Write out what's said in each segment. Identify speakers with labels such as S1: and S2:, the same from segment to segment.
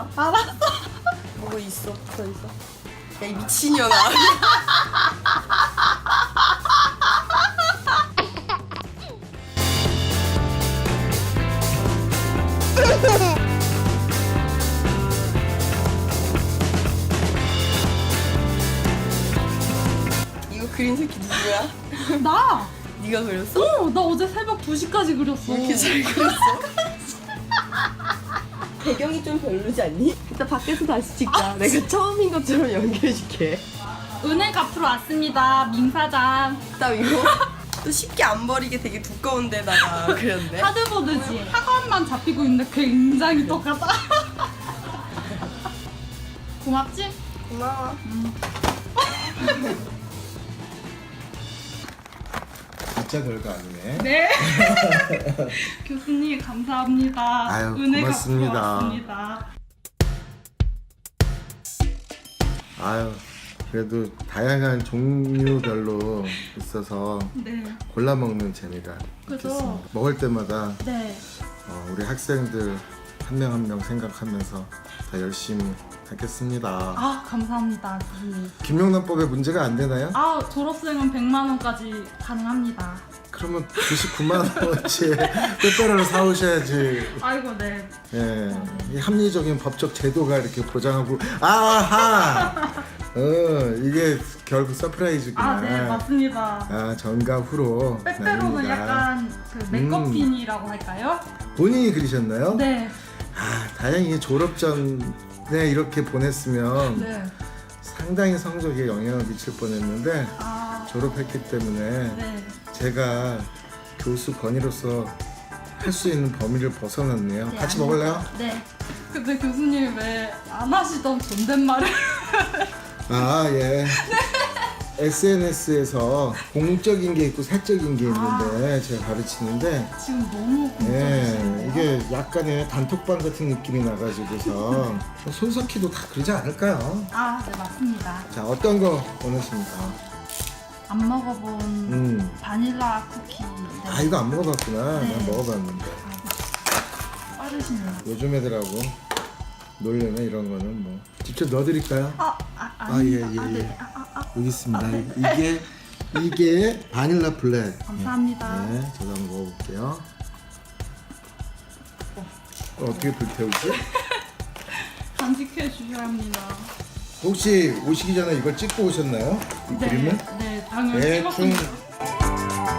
S1: 있어.
S2: 알았어.
S1: 보고 있어. 붙어 있어. 야, 이 미친년아. 이거 그린 새끼 누구야?
S2: 나.
S1: 네가 그렸어?
S2: 나 어제 새벽 2시까지 그렸어.
S1: 왜 이렇게 잘 그렸어? 배경이 좀 별로지 않니? 이따 밖에서 다시 찍자. 내가 처음인 것처럼 연기해줄게.
S2: 은행 갚으러 왔습니다. 민사장.
S1: 딱 이거 또 쉽게 안 버리게 되게 두꺼운 데다가 그렸네.
S2: 하드보드지. 학원만 잡히고 있는데 굉장히 똑같아. 고맙지?
S1: 고마워.
S3: 진짜 별거 아니네.
S2: 네. 교수님 감사합니다.
S3: 아유,
S2: 은혜
S3: 고맙습니다.
S2: 갚으러 왔습니다.
S3: 아유, 그래도 다양한 종류별로 있어서
S2: 네.
S3: 골라 먹는 재미가
S2: 그죠?
S3: 있겠습니다. 먹을 때마다
S2: 네.
S3: 우리 학생들 한 명 한 명 생각하면서 더 열심히 하겠습니다.
S2: 아 감사합니다 교수님.
S3: 김영란법에 문제가 안 되나요?
S2: 아 졸업생은 100만 원까지 가능합니다.
S3: 그러면 99만 원어치 빼빼로를 사오셔야지.
S2: 아이고 네.
S3: 예, 이 합리적인 법적 제도가 이렇게 보장하고 아하, 이게 결국 서프라이즈구나.
S2: 아 네 맞습니다.
S3: 아, 전과 후로
S2: 빼빼로는
S3: 나뉩니다.
S2: 약간 그 메커핀이라고 할까요?
S3: 본인이 그리셨나요?
S2: 네.
S3: 아, 다행히 졸업 전에 이렇게 보냈으면
S2: 네.
S3: 상당히 성적에 영향을 미칠 뻔했는데
S2: 아
S3: 졸업했기 때문에
S2: 네.
S3: 제가 교수 권위로서 할 수 있는 범위를 벗어났네요.
S2: 네,
S3: 같이
S2: 아닙니다.
S3: 먹을래요?
S2: 네. 근데 교수님 왜 안 하시던 존댓말을?
S3: 아, 예. SNS에서 공적인 게 있고 사적인 게 있는데 제가 가르치는데
S2: 지금 너무
S3: 예,
S2: 공격이시네요.
S3: 이게 약간의 단톡방 같은 느낌이 나가지고서 손석희도 다 그러지 않을까요?
S2: 아, 네 맞습니다.
S3: 자, 어떤 거 원하십니까?
S2: 안 먹어본 바닐라 쿠키. 네.
S3: 아, 이거 안 먹어봤구나.
S2: 네.
S3: 난 먹어봤는데.
S2: 빠르시네요.
S3: 요즘 애들하고 놀려면 이런 거는 뭐 직접 넣어드릴까요?
S2: 아닙니다.
S3: 예, 예, 예.
S2: 네.
S3: 여기 있습니다. 이게 바닐라 블랙.
S2: 감사합니다.
S3: 네, 저도 한번 먹어볼게요. 어떻게 불태우지?
S2: 간직해 주셔야 합니다.
S3: 혹시 오시기 전에 이걸 찍고 오셨나요? 이 그림을?
S2: 네, 당연히
S3: 대충
S2: 찍었습니다.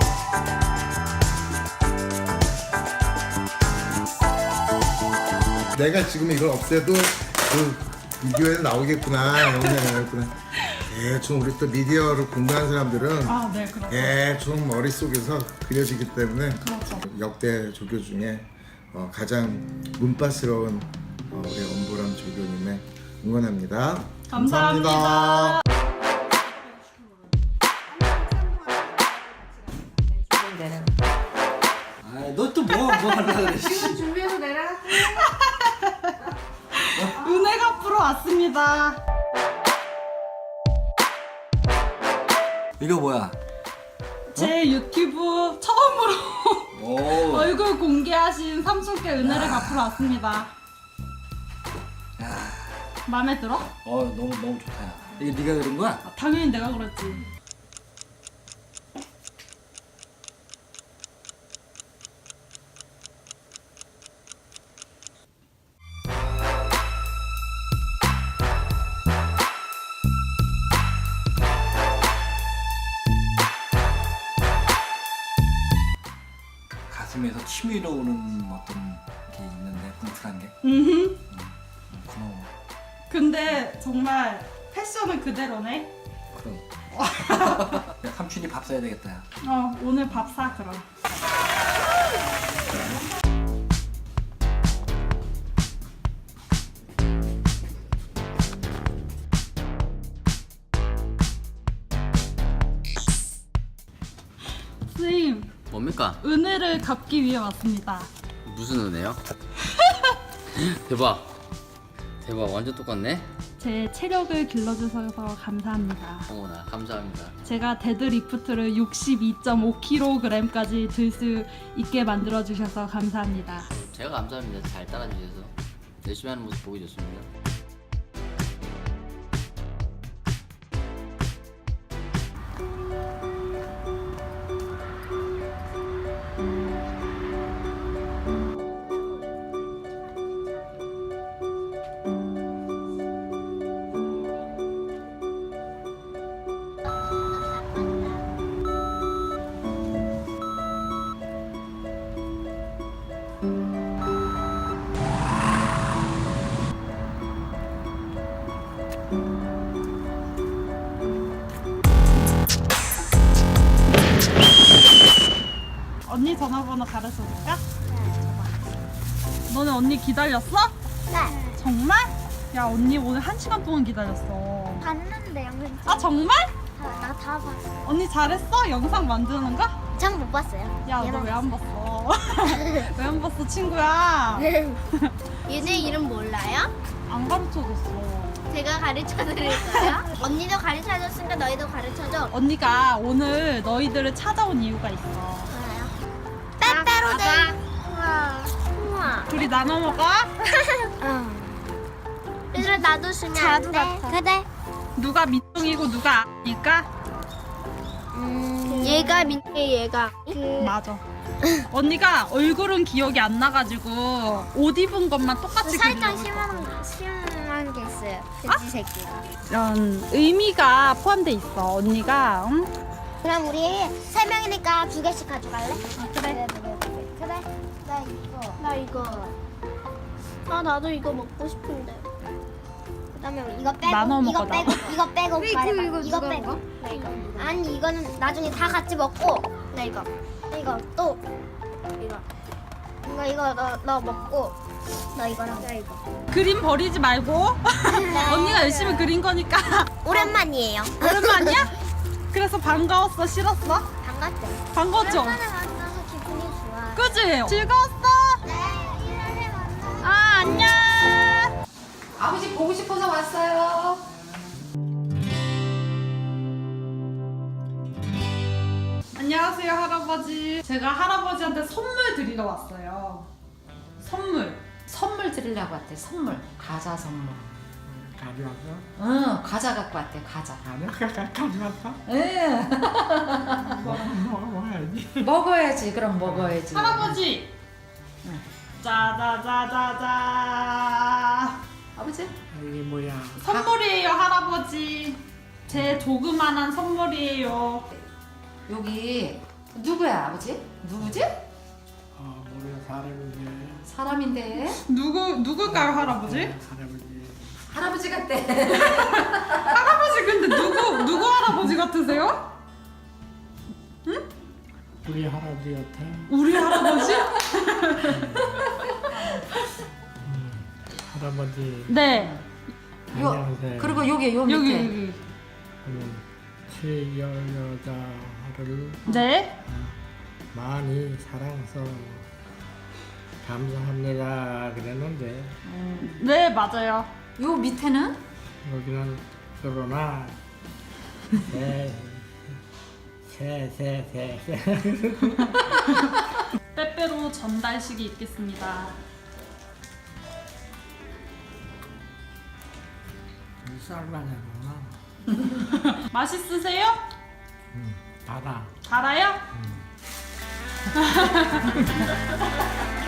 S3: 내가 지금 이걸 없애도 그 비디오에 나오겠구나, 영상에 나오겠구나. 대충 우리 또 미디어를 공부하는 사람들은
S2: 아, 네, 그렇죠.
S3: 대충 머릿속에서 그려지기 때문에
S2: 그렇죠.
S3: 역대 조교 중에 가장 문파스러운 우리 엄보람 조교님의 응원합니다.
S2: 감사합니다.
S4: 너 또 뭐 하려고 그래?
S1: 준비해서 내라.
S2: 은혜 갚으러 왔습니다.
S4: 이거 뭐야?
S2: 제 유튜브 처음으로
S4: 오.
S2: 얼굴 공개하신 삼촌께 은혜를 갚으러 왔습니다. 마음에 들어?
S4: 너무 좋다. 야. 이게 네가 그린 거야?
S2: 아, 당연히 내가 그랬지.
S4: 가슴에서 치밀어 오는 어떤 게 있는데 뭉클한 게. 고마워.
S2: 근데 정말 패션은 그대로네.
S4: 그럼. 야, 삼촌이 밥 사야 되겠다. 야.
S2: 오늘 밥 사 그럼. 선생님,
S5: 뭡니까?
S2: 은혜를 갚기 위해 왔습니다.
S5: 무슨 은혜요? 대박 완전 똑같네.
S2: 제 체력을 길러주셔서 감사합니다.
S5: 어머나 감사합니다.
S2: 제가 데드리프트를 62.5kg까지 들 수 있게 만들어 주셔서 감사합니다.
S5: 제가 감사합니다. 잘 따라주셔서. 열심히 하는 모습 보기 좋습니다.
S2: 언니 전화번호 가르쳐줄까? 너네 언니 기다렸어?
S6: 네.
S2: 정말? 야 언니 오늘 1시간 동안 기다렸어.
S6: 봤는데 영상
S2: 아 정말?
S6: 나 다 봤어.
S2: 언니 잘했어? 영상 만드는 거?
S6: 전 못 봤어요.
S2: 야 너 왜 안 봤어? 왜 안 봤어 친구야?
S6: 얘네 이름 몰라요?
S2: 안 가르쳐줬어.
S6: 제가 가르쳐 드릴까요? 언니도 가르쳐 줬으니까 너희도 가르쳐 줘.
S2: 언니가 오늘 너희들을 찾아온 이유가 있어.
S6: 알아요? 빼빼로데. 우와.
S2: 둘이 나눠 먹어?
S6: 얘들아 나도 주면 안 돼? 그래.
S2: 누가 민둥이고 누가 아니까?
S6: 얘가 민혜 얘가.
S2: 맞아. 언니가 얼굴은 기억이 안 나가지고 옷 입은 것만 똑같이
S6: 살짝
S2: 그리고
S6: 심한 게 있어요. 돼지 새끼가.
S2: 이런 의미가 포함돼 있어. 언니가 응?
S6: 그럼 우리 3명이니까 2개씩 가져갈래? 그래. 그래. 나 이거. 아 나도 이거 먹고 싶은데. 그다음에 이거 빼고
S2: 나눠
S6: 이거
S2: 먹어,
S6: 빼고 이거 빼고 말해봐.
S1: 이거
S6: 이거
S1: 누가
S6: 빼고. 나 이거. 아니 이거는 나중에 다 같이 먹고. 나 이거. 이거 또 이거 너 먹고. 너 이거랑 나 이거.
S2: 그림 버리지 말고 언니가 열심히 그린 거니까.
S6: 오랜만이에요.
S2: 오랜만이야? 그래서 반가웠어? 싫었어?
S6: 반갑죠?
S2: 반가웠죠?
S6: 오랜만에 만나서 기분이 좋아.
S2: 그지? 즐거웠어?
S6: 네, 1년에 만나.
S2: 아 안녕.
S1: 아버지 보고 싶어서 왔어요.
S2: 안녕하세요 할아버지. 제가 할아버지한테 선물 드리러 왔어요. 선물
S7: 드리려고 왔대. 선물. 과자 선물.
S4: 가져왔어?
S7: 응, 과자 갖고 왔대. 과자.
S4: 가져왔어?
S7: 응.
S4: 먹어야지.
S7: 먹어야지. 그럼 먹어야지.
S2: 할아버지. 짜자자자자.
S7: 아버지?
S4: 이게 뭐야?
S2: 선물이에요 할아버지. 제 조그만한 선물이에요.
S7: 여기 누구야 아버지? 누구지?
S4: 뭐야 사람인데.
S7: 사람인데.
S2: 누굴까요 할아버지?
S4: 할아버지.
S7: 할아버지 같대.
S2: 할아버지 근데 누구 할아버지 같으세요?
S4: 우리 할아버지 같아.
S2: 우리 할아버지?
S4: 할아버지.
S2: 네.
S4: 안녕하세요.
S7: 그리고 여기 요
S2: 여기
S7: 밑에.
S2: 여기.
S4: 최여자를
S2: 네.
S4: 많이 사랑해서 감사합니다 그랬는데
S2: 네 맞아요.
S7: 요 밑에는
S4: 여기는 그러나 새
S2: 빼빼로 전달식이 있겠습니다.
S4: 쌀만하구나.
S2: 맛있으세요?
S4: 달아.
S2: 달아요?